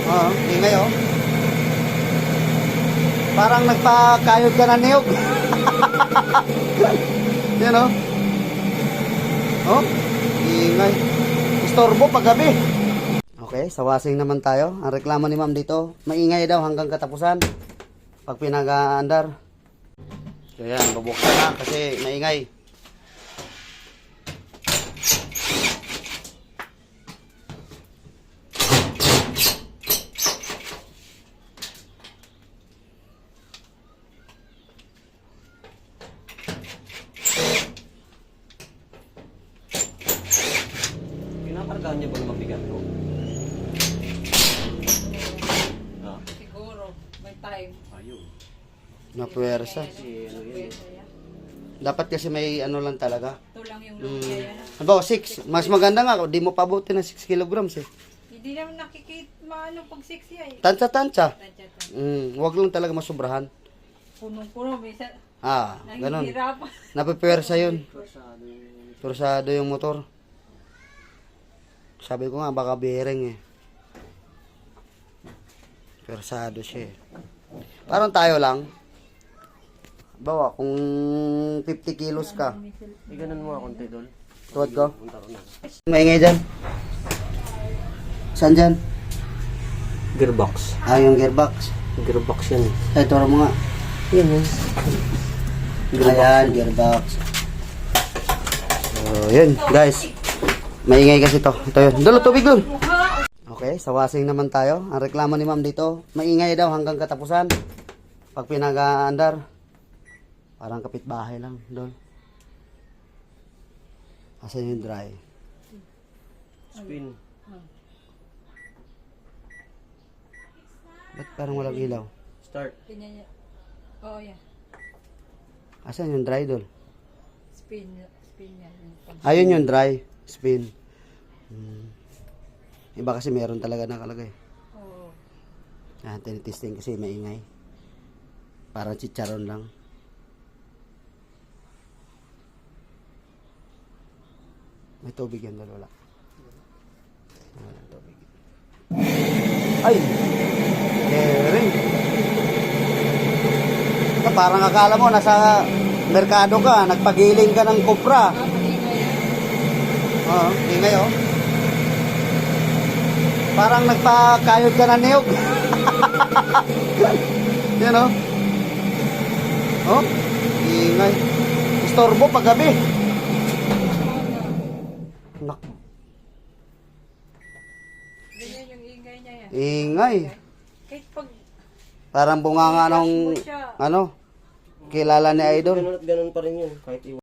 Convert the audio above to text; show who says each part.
Speaker 1: Oo, ingay oh. Parang nagpakayod ka na niyog. Yan oh. Oh, ingay. Istorbo paggabi. Okay, sa wasing naman tayo. Ang reklamo ni ma'am dito, maingay daw hanggang katapusan. Pag pinag-aandar. So yan, bubuksan na kasi maingay.
Speaker 2: Pinakargahan niya ba ng mabigat ko?
Speaker 3: Siguro, may time.
Speaker 2: Ayun.
Speaker 1: Napuwersa.
Speaker 2: Kasi ano yun.
Speaker 1: Dapat kasi may ano lang talaga.
Speaker 3: Ito lang yung lumpia yan.
Speaker 1: Ano, 6. Mas maganda nga, di mo pabuti ng 6 kilograms eh.
Speaker 3: Hindi naman nakikita maano pag 6 yan eh.
Speaker 1: Tansya-tansya.
Speaker 3: Tadya-tadya.
Speaker 1: Wag lang talaga masubrahan.
Speaker 3: Punong-puno, minsan
Speaker 1: Ganon.
Speaker 3: nahihirapan.
Speaker 1: Napipersa yun.
Speaker 2: Forsado yun.
Speaker 1: Torsado yung motor. Sabi ko nga, baka bearing eh. Persado siya eh. Parang tayo lang. Bawa, kung 50 kilos ka.
Speaker 2: Iganan mo nga konti, Dol.
Speaker 1: Tuwad ko.
Speaker 2: Punta ko na.
Speaker 1: Maingay dyan. Saan dyan?
Speaker 2: Gearbox.
Speaker 1: Yung gearbox.
Speaker 2: Gearbox yan.
Speaker 1: Ay, turo mo nga.
Speaker 2: Yan yan.
Speaker 1: Ayan, gearbox. So, yun, guys. Maingay kasi to. Ito yun. Dulo, tubig dun. Okay, sa wasing naman tayo. Ang reklamo ni ma'am dito, maingay daw hanggang katapusan. Pag pinag-aandar, parang kapitbahay lang doon. Asan yung dry?
Speaker 2: Spin.
Speaker 1: Ba't parang walang ilaw?
Speaker 2: Start.
Speaker 3: Ganyan yan. Oo, yan.
Speaker 1: Asan yung dry doon?
Speaker 3: Spin yan.
Speaker 1: Ayun yung dry. Spin. Iba kasi meron talaga nakalagay.
Speaker 3: Oo.
Speaker 1: Tinitesting kasi maingay. Parang chicharon lang. May tubig yan doon, wala. Wala tubig. Ay! Ring! Parang akala mo nasa merkado ka, nagpagiling ka ng kopra.
Speaker 3: Maingay yan.
Speaker 1: Oo, ingay oh. Parang nagpakayod ka na niyog. Yan oh. Oh, ingay. Istorbo paggabi. Nak.
Speaker 3: Ganyan yung ingay niya yan.
Speaker 1: Ingay.
Speaker 3: Kahit pag
Speaker 1: Parang bunganga ng
Speaker 3: siya.
Speaker 1: ano, kilala ni Idol.
Speaker 2: Ganun at ganun pa rin yun. Kahit